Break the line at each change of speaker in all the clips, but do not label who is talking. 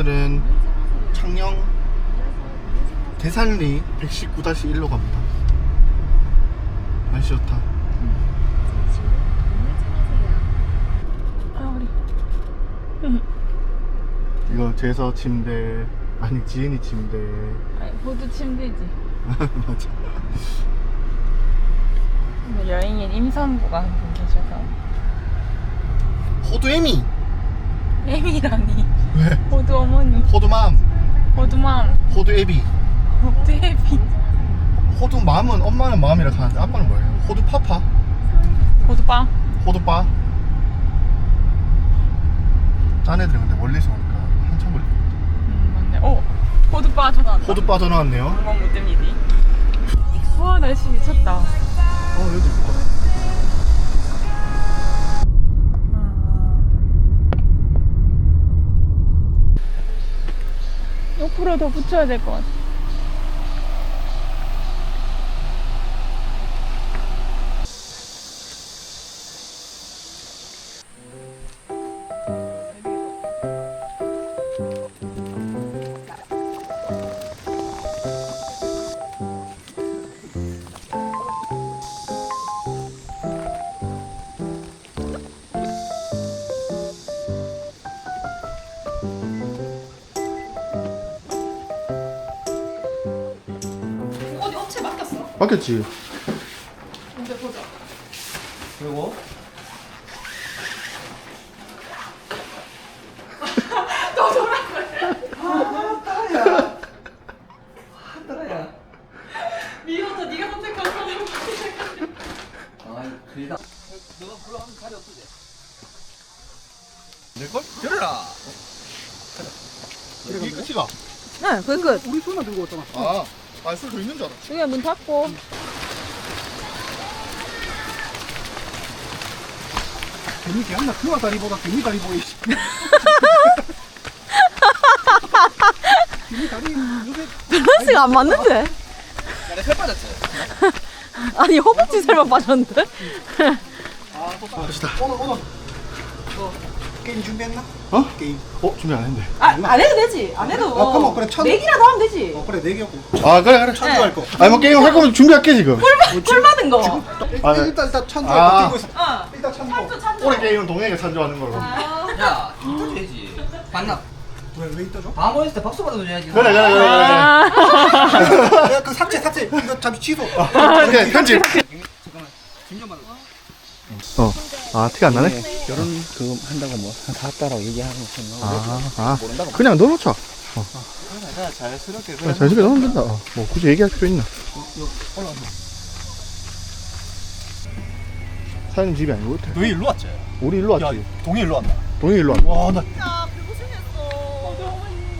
오늘은 창녕 대산리 119-1로 갑니다. 날씨 좋다.
아 우리
이거 제서 침대, 아니 지은이 침대.
아니 호두 침대지.
맞아.
근데 여행인 임산부가 한 분 계셔서.
호두애미.
애미라니.
왜?
호두 어머니.
호두맘.
호두맘.
호두애비.
호두 애비.
호두맘은 엄마는 마음이라 하는데 아빠는 뭐예요? 호두파파.
호두빵.
호두빠. 딴 애들은 근데 멀리서 오니까 한참 걸려.
맞네. 오 호두빠 전화 왔다.
호두빠 전화 왔네요.
한번 못 됩니다. 와 날씨 미쳤다.
여기 있다.
옆으로 더 붙여야 될 것 같아.
어디 업체 맡겼어?
바뀌었지?
근데 보자.
그리고
너 저랑 그래.
따라야.
미워서 네가 선택한 사람.
아, 그리다. 너가 불러하면 자리 없으지?
내걸?
들어라.
이게 끝이가?
네, 그게 끝.
우리 손만 들고 왔잖아.
술 더 있는 줄 알았어.
여기 문 닫고.
개미 개한나 그와 다리보다 개미 다리 보이지. 개미 다리 요새
밸런스가 안 맞는데?
나내 살 빠졌지.
아니 허벅지 살만 빠졌는데?
갑시다.
오늘 게임 준비했나?
어? 게임. 준비 안 했는데.
안 해도 되지. 안 해도.
그럼 그래 천.
내기라도 하면 되지.
그래 네 개고.
그래.
천도 거.
아니 뭐 게임 할 거면 준비할게 지금.
꿀 받은 거.
일단 천도
아.
거 뛰고 있어.
어.
일단 천도.
찬조.
올해 게임은 동해가 찬조하는 걸로.
야, 떠줘야지. 반납. 왜 떠줘? 다음 있을 때 박수 받아줘야지.
그래.
야, 그 삭제. 이거 잠시 취소.
오케이, 편집.
잠깐만. 김전만.
티가 안 나네?
결혼 그 한다고 뭐 샀다라고 얘기하는 거
그냥 넣어놓자.
그냥 자연스럽게
그냥 자식이 넣으면 된다. 뭐 굳이 얘기할 필요 있나? 사장님 집이 아닌 것 같아.
너희 일로 왔지?
우리 일로 왔지.
동해 일로 왔나?
동해 일로 왔네.
와, 나
야, 배고생했어.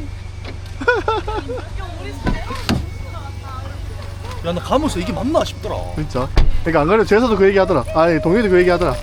야, 나 가면서 이게 맞나 싶더라.
진짜. 그러니까 안 그래도 제서도 그 얘기 하더라. 아니 동해도 그 얘기 하더라.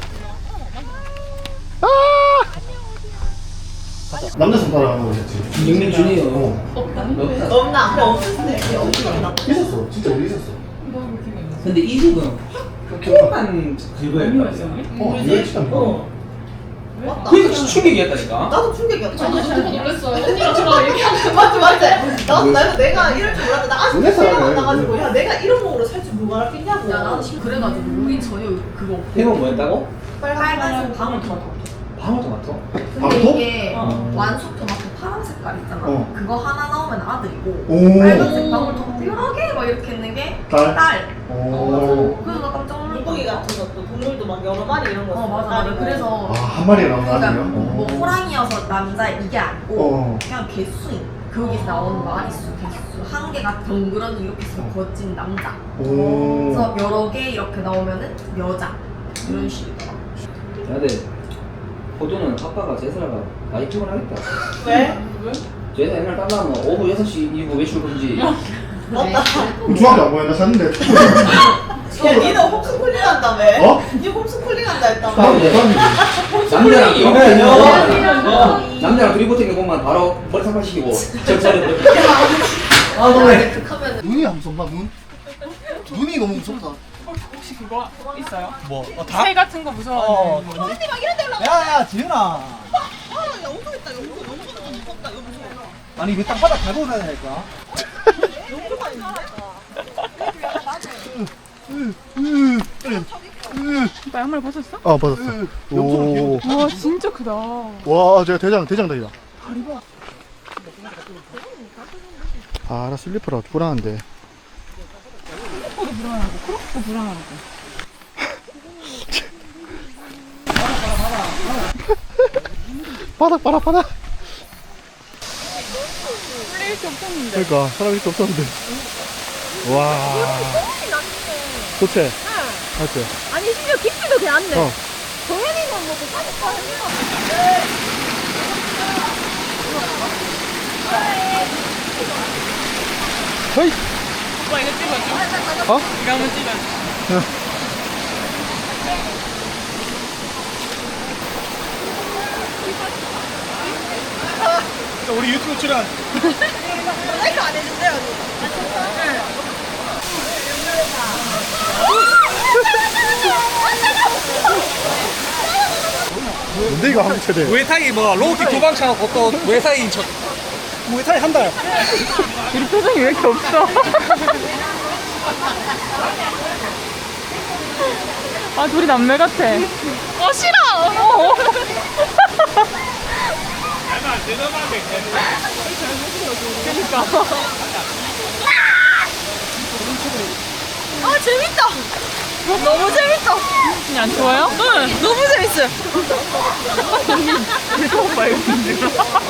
남자 손 따라가는 거였지.
영민 준이요.
없나? 그래 없을 때.
있었어. 진짜 우리 있었어.
근데 이 집은 조금만 그거예요.
이거 진짜 뭐.
그러니까 충격이었다니까.
나도 충격이었다.
저도 진짜 놀랐어요. 언니랑 저랑 얘기하는
맞지. 나도 내가 이럴 줄 몰랐는데 나 아직
놀랬어,
생각 안
그래.
나가지고 야 내가 이런 몸으로 살 줄 누가 알았겠냐고.
야 나도 지금 그래가지고 우린 전혀 그거 없고
해본 뭐였다고?
빨간색 방울토마토.
방울토마토?
근데
또?
이게 완숙 토마토 파란 색깔 있잖아. 그거 하나 나오면 아들이고
오.
빨간색 방울토마토 여러 개 막 이렇게 있는 게
딸?
딸.
오.
그래서 나 깜짝 놀랐어.
물고기 같은 것도 동물도 막 여러 마리 이런 거.
맞아. 그래서
한 마리가 나온
그러니까
아니요?
뭐 호랑이여서 남자 이게 아니고
어.
그냥 개수인. 거기서 나오는 마리수, 개수 한 개가 덩그러니 이렇게 있으면 거진 남자.
오.
그래서 여러 개 이렇게 나오면은 여자 이런 식이더라.
근데 호두는 아빠가 제사라가 나이 쯤을 하겠다.
왜?
제사 옛날 딸라면 오후 6시 이후 외출 금지.
맞다.
중학교 안 보였나 샀는데.
야 니는 홈스쿨링 한다며?
어?
니 홈스쿨링 한다 했다며?
남자랑 둘이 붙은 게 보면 바로 머리 상팔시키고 정찰을
너네.
하면은
눈이 안 무섭나 눈? 눈이 너무 무섭다.
혹시 그거 있어요?
뭐?
새 같은 거 무서워.
언니 막 이런 데 올라가.
야야 지은아.
아 영도 있다 영도. 영도는 좀 무섭다. 이거 무서워.
아니 이거 땅바닥 밟고 가야 될까?
오빠 양말 벗었어?
아 받았어. 오.
와 진짜 크다.
와 제가 대장다리다. 아, 나 슬리퍼라 불안한데.
크로커도 불안하고 크로커도 불안하고.
바닥.
풀릴 게 없었는데.
그러니까 사람이 또 없었는데. 와. 좋지? 응. 맞지?
아니 심지어 깊이도 괜찮네.
어.
동현이는 뭐또 사니까 하는
헤이.
오빠 이거 찍어줘.
어?
이거 한번 찍어줘.
우리 유튜브 출연.
라이크 안 해준대요, 언니.
뭔데 이거 한국 최대?
무에타이 뭐 로우킥 도망쳐 또 무에타이 저 무에타이 한 달.
우리 표정이 왜 이렇게 없어? 아 둘이 남매 같아. 아 싫어. 그러니까.
아, 재밌다. 너무 재밌다.
그냥 안 좋아요?
응, 너무 재밌어요.
이거 오빠 이거 힘들어.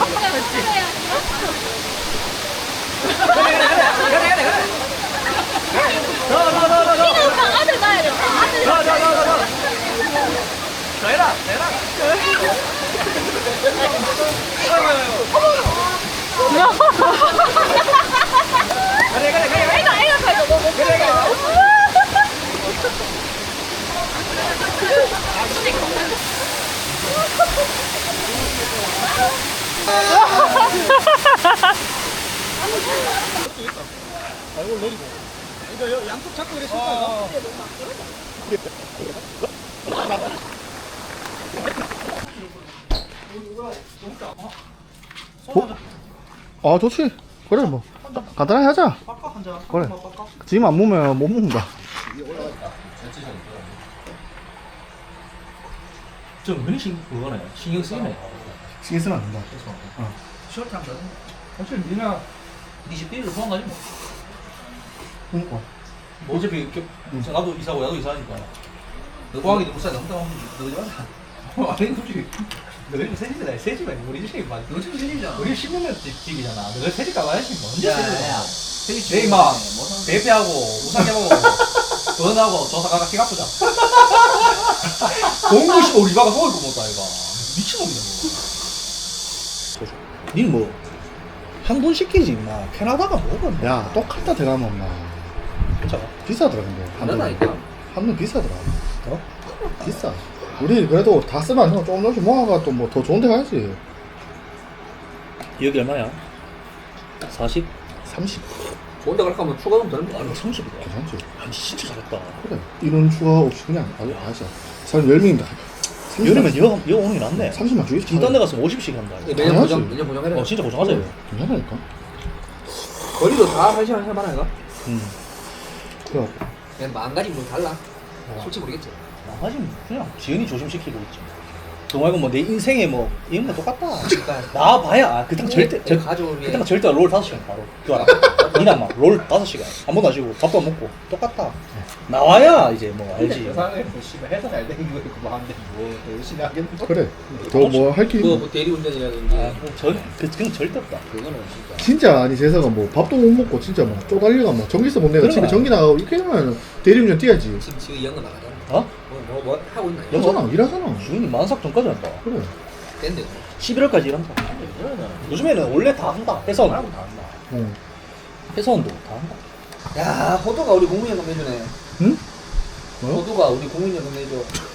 아들 낳아야 돼. 아들
이거 양쪽 잡고 이래 쓸까?
아 좋지. 그래 뭐 간단하게 하자. 그래. 지금 안 먹으면 못 먹는다.
좀 은근히 그거네. 신경 쓰이네.
신경 쓰면 안 된다.
쇼트 한 번. 어차피 니나 니 집비를 포함하지 뭐.
그러니까.
뭐 어차피 이렇게 나도 이사고 나도 이사하니까. 너 포항이 너무 싸 너무 따 너지 마. 아니 솔직히 너희 새 집이다. 새 집이 아니고 우리 집이 맞. 너희 집이 새 집이잖아. 우리 10년 집이잖아. 너희 새집 가봐야지 뭐. 언제 새 집? 내일 막 대패하고 우상해보고 돈하고 조사가가 키가 아프자. 공구시 우리 바가 먹을 거 못다 이거. 미친놈이다 뭐. 니는 뭐 한 돈 시키지 마. 캐나다가 뭐가
야 똑같다 들어가면 엄마.
괜찮아.
비싸더라 근데.
그러다니까.
한돈 비싸더라. 어? 비싸. 우리 그래도 다 쓰면 안 되고 조금 조금씩 모아가 또 뭐 더 좋은 데 가야지.
여기 얼마야? 40?
30.
좋은데 갈까 하면 추가금 되는 거 아니야? 30이다.
괜찮지?
아니 진짜 잘했다.
그래. 이런 추가 없이 그냥 하자. 사람 10명인데.
여름엔 여 오는 게 낫네.
30만 주겠지.
중단 데 갔으면 50씩 한다.
매년 보장-
매년 보장해라.
어 진짜 고정하자 이거.
괜찮다니까.
거리도 다 한 시간 할만한 거?
그래.
그냥 마음가짐 뭐 달라. 솔직히 모르겠지.
나가지 그냥 지연이 조심시키고 있지. 너 말고 뭐 내 인생에 뭐 이런 거 똑같다.
그러니까
나 봐야 그때가 절대
내 가족을 위해.
그때가 절대 롤 5시간 바로. 그거 알아? 니나 막롤 5시간 한 번도 안 쉬고 밥도 안 먹고 똑같다. 나와야 이제 뭐 알지.
세상에 뭐 씨발 해서 잘 되는 거 있고 마음대로 뭐 열심히 하겠는데.
그래. 더 뭐 할 게 있나?
뭐 대리운전이라든지
그건 절대 없다.
그거는 진짜.
진짜 아니 재석아 뭐 밥도 못 먹고 진짜 뭐 쪼달려가 뭐 전기세 못 내가 집에
그래.
전기 나가고 이렇게 하면 대리운전 뛰어야지.
지금 이 연거 나가잖아.
어?
뭐 하고 있나?
여잖아 일하잖아.
주인이 만삭 전까지 한다.
그래.
밴드.
11월까지 일한다. 요즘에는 원래 다 한다. 회사원.
다 한다.
어.
회사원도 다 한다.
야 호두가 우리 국민연금 내주네.
응? 뭐요?
호두가 우리 국민연금 내줘.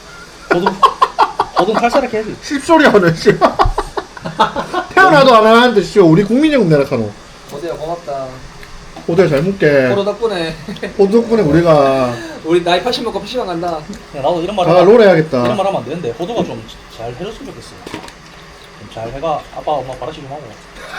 호동 탈사력 해야지.
씹소리 하네 씨. 태어나도 안 하는데 씨 우리 국민연금 내라 카노.
호두야 고맙다.
호텔 잘 묵게.
호두 덕분에
호텔 덕분에 우리가
우리 나이 80 먹고 PC방 간다.
야, 나도 이런 말
다
하면
롤
이런
해야겠다.
말 하면 안 되는데 호두가 좀 잘 해줬으면 좋겠어. 좀 잘 해가 아빠 엄마 바라시 좀 하고.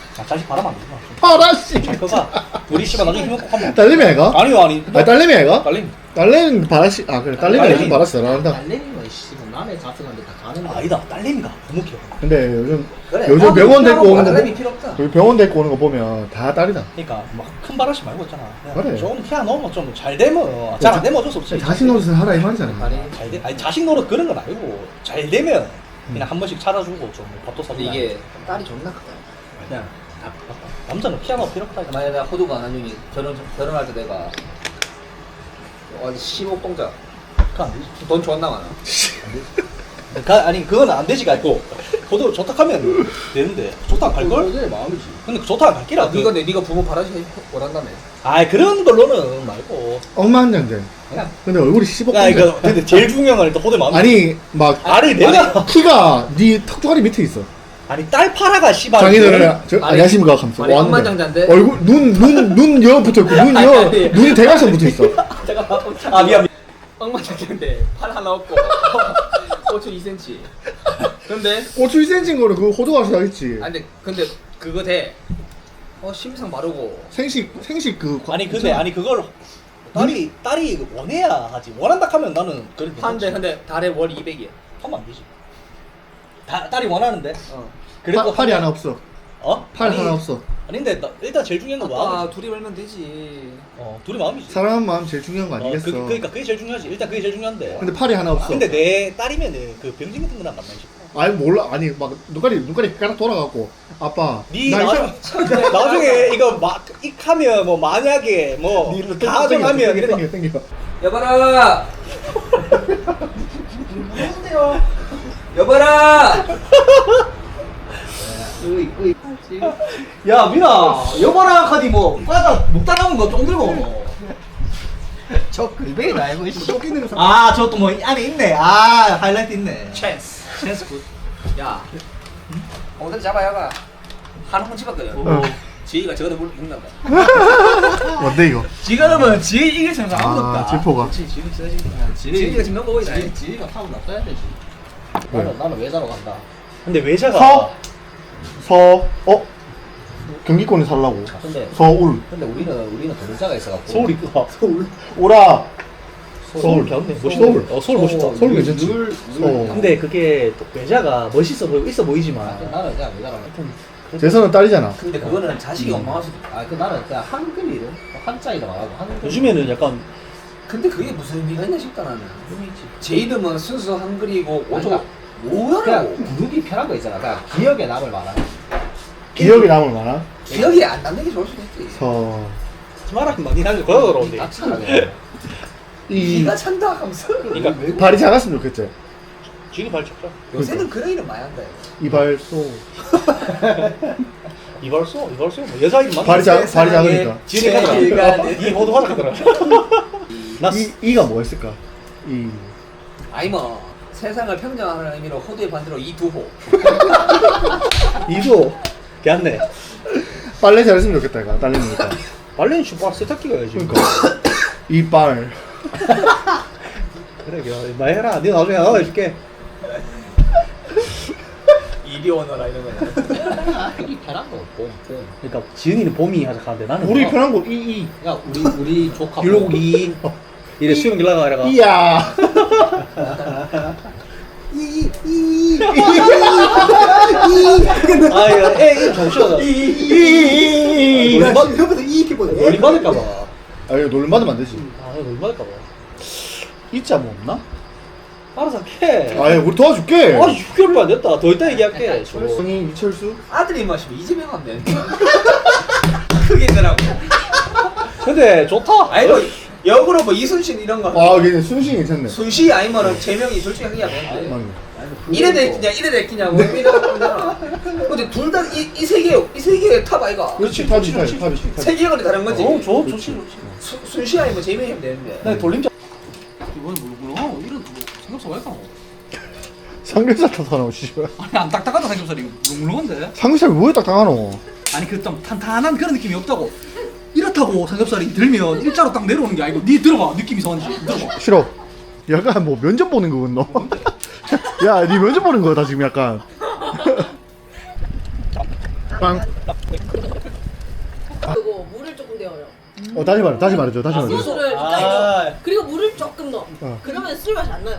아, 자식 바람 안 되구나.
파라씨.
잘 커가. 우리 씨발 나중에 힘을 꼭 한번.
딸내미 아이가?
아니요, 아니.
아 딸내미 아이가?
딸림.
딸내미 바라씨. 아 그래 딸내미
딸내미.
요즘 바라씨 잘한다.
달래는 씨 남의 잡수는데 다 가는 거
아니다, 딸내미가 부모 키워.
근데 요즘
그래
요즘
나도
병원
필요하고
데리고 오는 거
달래미 필요 없다
여기 병원 데리고 오는 거 보면 다 딸이다.
그러니까 막 큰 바라시 말고 있잖아.
그래.
좀 피아 넣으면 좀 잘 되면 잘 안 되면 어쩔 수 없지.
자신 노릇을 하라 이 말이잖아.
잘 돼. 아니 자식 노릇 그런 건 아니고 잘 되면 그냥 한 번씩 차려주고 좀 밥도 사주고.
이게 딸이 존나 크다 그냥
남자는 피아노 필요 없다.
만약에 내가 호두가 나중에 결혼할 때 내가 완전 15 동자
그거 안 되지.
돈 존나 많아
아니 그건 안 되지가 있고 그것도 좋다 하면 되는데 좋다 갈 걸?
그게 마음이지
근데 좋다 갈 끼라.
네가 네가 부모 바라지 원한다며
아 그런 걸로는 말고.
엄마 한 장대.
그냥
근데 얼굴이 15.
야 이거 근데 제일 중요한 건 일단 호대 마음.
아니 막
아니 내가
키가 네 턱조가리 밑에 있어.
아니 딸 파라가 씨발.
장인어른 저
아니,
안녕하십니까 하면서
아니,
왔는데
억만장자인데?
얼굴 눈여 붙어 있고 눈이 대각선 붙어 있어.
아 미안.
엉망장자인데 팔 하나 없고 고추 2cm 근데
고추 1cm인 거를 그 호두가시 하겠지.
근데 그거 돼 심상 바르고
생식 그
아니 근데 아니 그걸 딸이 원해야 하지. 원한다 하면 나는 그런
한데 근데 달에 월 200이야
하면 안 되지. 딸이 원하는데.
어.
그래도
팔이 하나 없어.
어?
팔
아니,
하나 없어.
아닌데 일단 제일 중요한 건 마음.
아빠 둘이 벌면 되지
둘이 마음이지.
사랑하는 마음 제일 중요한 거 아니겠어.
그러니까 그게 제일 중요하지. 일단 그게 제일 중요한데.
근데 팔이 하나 없어.
근데 내 딸이면은 그 병진 같은 거랑 만나고 싶어.
아니 몰라. 아니 막 눈깔이 가락 돌아가고 아빠
니
나
나중에 이거 막 익하면 뭐 만약에 뭐 가정하면 이래
땡겨.
여봐라 여봐라
야 민아 여보라 카디 뭐 과자 먹다 남은 거 좀 들고.
저 글베이 나이고
쫓기는 거.
아저 또 뭐 안에 있네. 아 하이라이트 있네.
찬스 굿야 엉덩이 잡아 야가 한 혼 집었거든
어.
지희가 저거도 물 읽는다
뭔데 이거?
지금은 지 이길 생각 아무도
아
없다.
지포가.
지금 세지구나.
지희가 지금 넘어오고 있다 지희가 타고 놔둬야 되지
왜?
나는 외자로 간다
근데 외자가
경기권에 살라고.
근데
서울.
우리는 동자가 있어갖고
서울이
서울. 오라.
서울 배웠네. 멋있다.
서울.
서울 멋있다.
서울 괜찮지. 서울.
근데 그게 또 외자가 멋있어 보이고 있어 보이지만
나는 그냥 외자로
재선은 딸이잖아.
근데 그거는 자식이 엉망할 수도 있고 그 나는 그냥 한글 이름 한자이도 말하고 한글
요즘에는 약간
근데 그게 무슨 의미가 있나 싶다 나는 의미지 제 이름은 순수 한글이고 오조
그냥
뭐야라고 부르기 편한 거 있잖아 그냥 기억에 남을 말하는
기억이 남을 만한
기억이 안 남는 게 좋을 수도 있지
서.
말하면 많이 나는 거야 그러는데.
낙차라네
이
니가 찬다 하면서
그러니까
발이 작았으면 좋겠지.
지금 발 쳤죠.
요새는 그런 이름 많이 한다
이발소.
이발소 뭐 여자 이름
발이 작으니까.
지은이 하더라. 이 모두 하더라. 나
이가 뭐가 있을까?
아니 뭐 세상을 평정하는 의미로 호두의 반대로 이두호
이도
걔안네.
빨래 잘했으면 좋겠다 이거 딸내미니까.
말레는 슈퍼 세탁기가 해야지.
그러니까 이빨.
그래 많이 해라. 네 나중에 나가 해줄게.
이리 오너라 이런 거야 이 편한 거 봄.
그러니까 지은이는 봄이 하자 하는데 나는
우리
뭐,
편한 거 이.
야 우리 조카
율곡이 이래 수영 길라가 이래가.
이야.
아 이거 애 정신없어.
이.
놀림 받을까봐.
아 이거 놀림 받으면 안 되지.
아 이거 놀림 받을까봐.
이자 뭐 없나?
알아서 해.
아 우리 도와줄게.
아 6개월도 안 됐다. 더 이따 얘기할게. 저거.
형이 이철수.
아들이 마시면 이재명 하면 돼 크게 되라고
근데 좋다.
아니 뭐 역으로 뭐 이순신 이런 거
아 걔는 순신 괜찮네.
순시 아니면은 재명이 둘 중에 한 개가 되는데
맞네.
이래 됐냐 이래 됐냐 뭐 이러잖아 근데 둘 다 이 세계의 탑 아이가
그렇지 탑이.
세계관이 다른 거지
좋지.
순시 아니면 재명이 하면 되는데
나 돌림자.
이번에 뭐구나 이런 삼겹살 왜 했어
삼겹살 타다노 씨발.
아니 안 딱딱하다 삼겹살이 물렁물렁한데?
삼겹살 왜 딱딱하노?
아니 그 좀 탄탄한 그런 느낌이 없다고. 이렇다고 삼겹살이 들면 일자로 딱 내려오는 게 아니고 니 들어봐 느낌이 이상한지 들어봐.
싫어. 약간 뭐 면접 보는 거군 너. 야, 니 면접 보는 거다 지금 약간. 빵. 다시 말해줘.
소주를
아.
그리고 물을 조금 넣어.
어.
그러면 술 맛이 안 나요.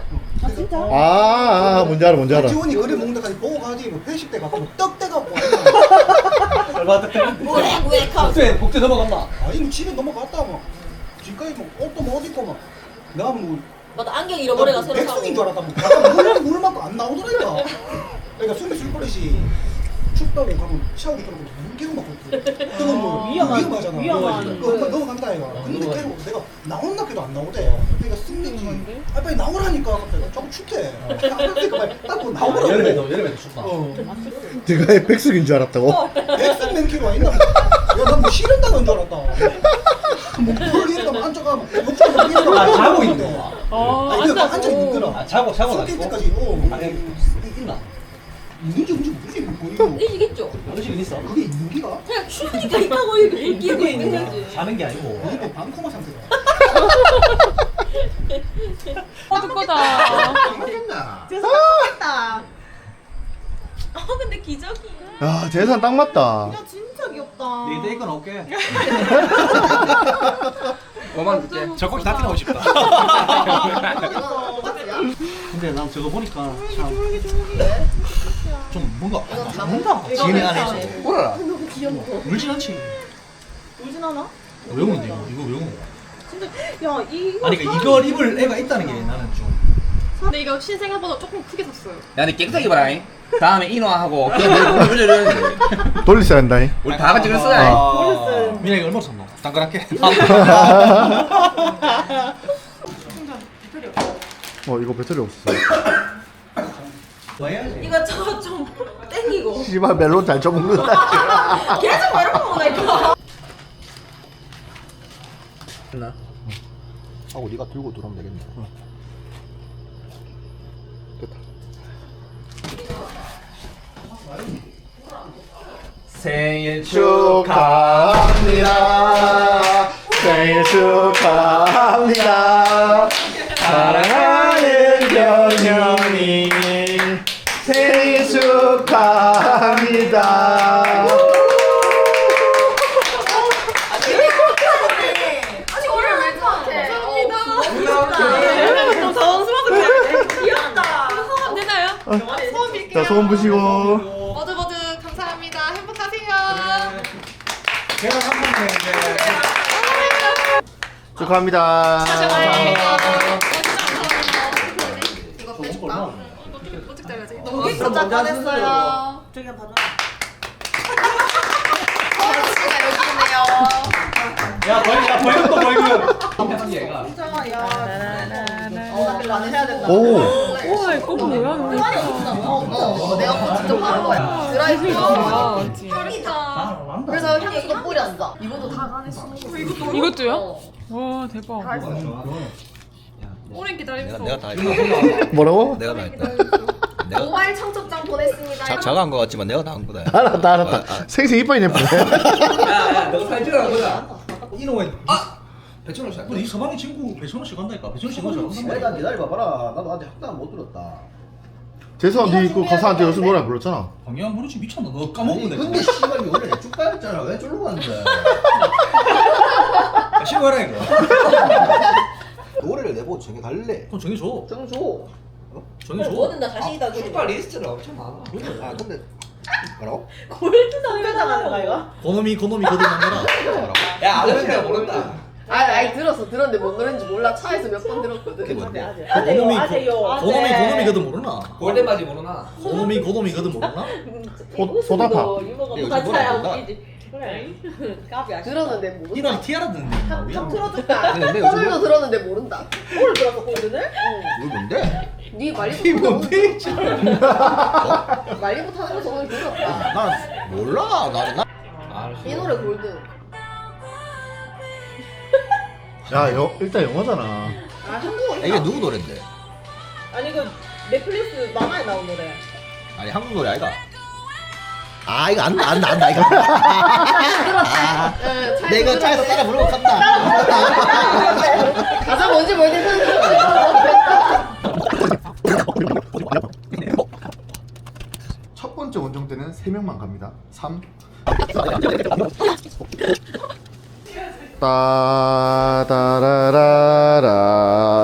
뭔지 알아.
지원이 그래 먹는 데까지 보고 가지 뭐 회식 때 가고 뭐 떡대 갖고
얼마 때?
왜
복제 넘어갔나?
아니 뭐 집에 넘어갔다 막 집까지 뭐 옷도 못 입고 막 내가 뭐
맞아 안경 잃어버려가 새로 사고.
백숙인 줄 알았다 뭐 가끔 물 맞고 안 나오더라니까 그러니까 숨이 술 버릇이 춥다고 가면 샤워기 들어가고 물 계속 막고 뜨거운 물 위험하잖아 그거 넘어간다 이거 근데 계속 내가 나온다 해도 안 나오대 그러니까 숨기지 아 빨리 나오라니까 갑자기 자꾸 춥대 그러니까 빨리 딱 나오라고
여름에도 춥다.
내가 백숙인 줄 알았다고?
백숙 맨키로가 있나 야난뭐 싫은다는 줄 알았다 뭐물 이러다 앉아가 막 욕좀 먹이려고
아, 자고 있는 거야.
아니 그거 앉아 있는 거라
아, 자고
술
나니까.
때까지
아니, 있나?
있는지 없는지 모르지 뭐 이거
이기겠죠.
음식은 있어.
그게 있는 기가?
그냥 추우니까 있다고 이렇게 끼고 있는 거지.
자는 게 아니고.
이게 뭐 방코마 상태가
어둡거다.
죄송합니다. 근데 기적이야.
야, 재산 딱 맞다.
진짜 귀엽다.
내 데이건 올게.
5만 줄게.
저거 다 뛰어오고 싶다. 근데 난 저거 보니까 좀 뭔가 지인의 안에 있어.
울어라.
울진 않지.
울진 않아?
왜 우는데 이거? 이거 왜 우는 거야?
야 이거.
아니 그러니까 이걸 입을 애가 있다는 게 나는 좀.
근데 이거 신생아보다 조금 크게 샀어요.
야, 니 깨끗하게 봐라. 다음에 인화하고 그냥 내일 올려줘야지.
돌리셔야 한다잉.
우리 다 같이 그랬어야.
민아 이거 얼마 샀노? 당근할게.
이거 배터리 없어.
뭐 해야지?
이거 저거 좀 땡기고.
씨발 멜론 잘 쳐먹는다.
계속 말을 먹으니까.
됐나?
하고 네가 들고 들어오면 되겠네. 됐다.
생일
축하합니다. 생일 축하합니다. 사랑하는 변현이 생일 축하합니다.
아니 오늘 왜 감사합니다. 좀 당황스러워서 귀엽다.
소원 되나요? 소원 빌게요.
자, 소원 부시고.
모두 감사합니다. 행복하세요.
걔가 삼성인데.
축하합니다.
이거 빼줄까? 이거 찍자야지.
너무 진짜 잘했어요. 저기 한 번.
소원씨가 여기 있네요.
야 벌금 또 벌금.
얘가.
진짜 야. 나 별로 안 해야 된다.
오.
우와 이거 뭐야? 너무 예쁘다.
내가 그거 직접 하는 거야. 드라이브.
짱이다.
그래서 향수도 뿌렸어. 이것도 다 간했어.
이것도요? 와 대박. 오랜 기다렸어.
내가 다 했다.
뭐라고?
내가 다 했다.
모바일 청첩장 보냈습니다.
자가 한 거 같지만 내가 다 한 거다.
알았다. 생생 이빨이 예쁘네.
야야, 너 사진 찍으라는 거야.
이놈의
배천호 씨.
이 서방이 친구 배천호 씨가 한다니까. 배천호 씨가 잘한다.
일단 기다려봐봐라. 나도 아직 학당 못 들었다.
재수한 네그 가사한테 요즘 노래 불렀잖아.
방해한 부르지 미쳤나? 너 까먹었네.
근데 씨발 이거 원래 내 쭉가였잖아. 왜 쫄로 갔는데?
신고해라 이거.
노래를 내보고 정해 갈래.
그럼 정해줘.
정 줘.
정해줘.
뭐든 나 자신 있다.
출발 리스트가 엄청 많아.
아 근데 뭐라고?
골드 당근당하는 거 이거?
고놈이 거듭난거라.
야, 아저씨가 모른다.
아니 들었는데 뭔 노래인지 몰라. 차에서 몇 번 들었거든.
그게 뭔데?
고놈이 거듭 모르나?
골대바지 모르나?
고놈이 거듭 모르나?
소다파.
근데 요즘 노래 안 본다.
들었는데 모른다.
이런 티아라 듣는데.
틀어줄까?
근데 요즘
홀도 들었는데 모른다.
뭘 들었어 골드를?
이거 뭔데?
네 말리부
이 뭔데?
말리부 타는 거 저번에 들었다.
난 몰라. 나는 나.
이 노래 골드.
야, 일단 영어잖아.
아 한국어.
이게 누구 노래인데?
아니 그 넷플릭스 만화에 나온 노래.
아니 한국 노래 아이가? 아 이거 안다 이거.
들었다.
내가 차에서 따라 부르고 간다.
가사 뭔지 모르겠는데.
첫 번째 원정 때는 3명만 갑니다. 3. 따라라라.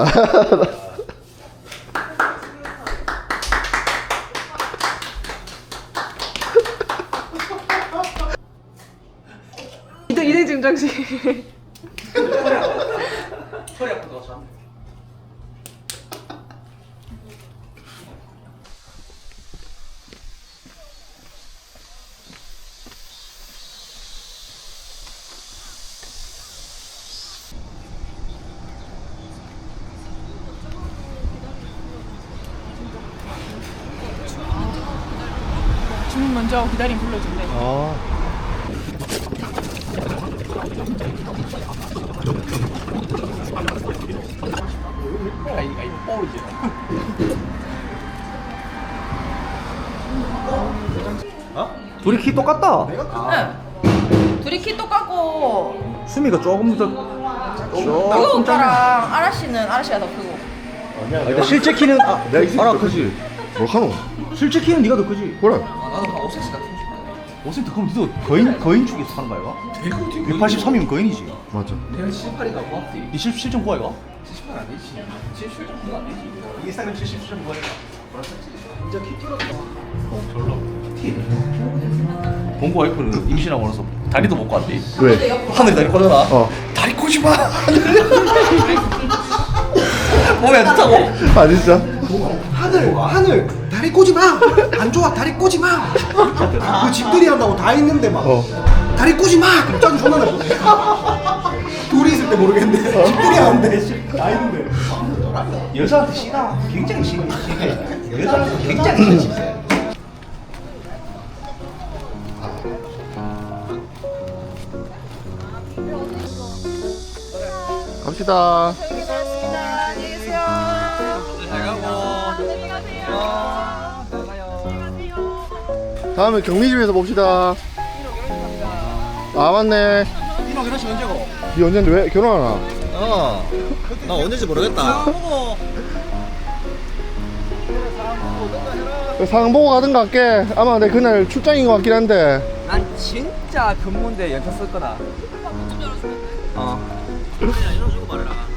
이등 증정식.
허리 아프다 참.
주문 먼저 하고 기다림 불러준대.
아.
아이 뽀이지.
둘이 키 똑같다.
둘이 키 똑같고
수미가 조금 더.
그 오빠랑 아라씨는 아라씨가 더 크고.
근데 실제 키는 알아 크지.
뭘 하노?
실제 키는 네가 더 크지.
그래.
나도 한 5cm 같은 거.
5cm 그럼 니도 거인 축에서 사는 거야? 183이면 거인이지.
맞아.
내가 78이가 고맙지.
니 77.9야 이거?
78 안 되지. 77.9가 안 되지. 이게 사람 77.9야.
봉구 와이프는 임신하고 나서 다리도 못 꽂았대.
왜?
하늘에 다리 꽂아라.
어.
다리 꽂지 마. 몸에 안 좋다고.
아 진짜?
하늘 다리 꼬지 마. 안 좋아 다리 꼬지 마. 그 집들이 한다고 다 있는데 막
어.
다리 꼬지 마. 갑자기 존나 나. 둘이 있을 때 모르겠는데 집들이 하는데 다 있는데.
여자한테 씨가 굉장히 심해. 여자한테 굉장히 심해.
갑시다. 다음에 경리집에서 봅시다. 아 맞네.
이놈 결혼식 언제고?
니 언젠데 왜 결혼하나?
나 언제인지 모르겠다.
상황 보고 가든가 할게. 아마 내 그날 출장인 것 같긴 한데.
난 진짜 근무인데 연차 쓸 거다. 어.
그냥 이런 식으로 말해라.